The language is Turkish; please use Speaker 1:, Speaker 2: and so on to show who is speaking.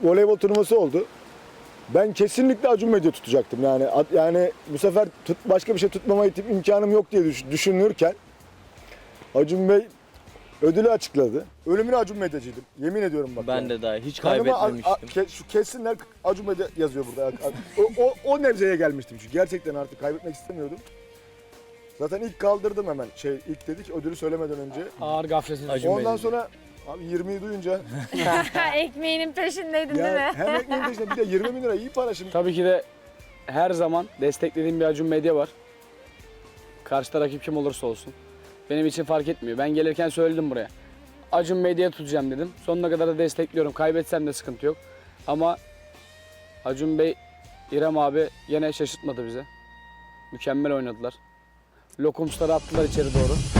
Speaker 1: voleybol turnuvası oldu. Ben kesinlikle Acun Medya tutacaktım yani bu sefer başka bir şey tutmama imkanım yok diye düşünürken Acun Bey ödülü açıkladı. Ölümüne Acun Medyacıydım. Yemin ediyorum bak.
Speaker 2: Ben
Speaker 1: yani.
Speaker 2: de daha hiç
Speaker 1: Kanıma
Speaker 2: kaybetmemiştim.
Speaker 1: şu kesinler Acun Medya yazıyor burada. O nevzeye gelmiştim çünkü gerçekten artık kaybetmek istemiyordum. Zaten ilk kaldırdım hemen. İlk dedik ödülü söylemeden önce.
Speaker 3: Ağır gafletin.
Speaker 2: Acun
Speaker 1: Ondan
Speaker 2: Bey
Speaker 1: sonra abi 20'yi duyunca
Speaker 4: Ekmeğinin peşindeydin değil
Speaker 1: ya
Speaker 4: mi?
Speaker 1: hem ekmeğin peşinde bir de 20 bin lira iyi para şimdi.
Speaker 3: Tabii ki de her zaman desteklediğim bir Acun Medya var. Karşıda rakip kim olursa olsun. Benim için fark etmiyor. Ben gelirken söyledim buraya. Acun Medya tutacağım dedim. Sonuna kadar da destekliyorum. Kaybetsem de sıkıntı yok. Ama Acun Bey, İrem abi yine şaşırtmadı bize. Mükemmel oynadılar. Lokumsları attılar içeri doğru.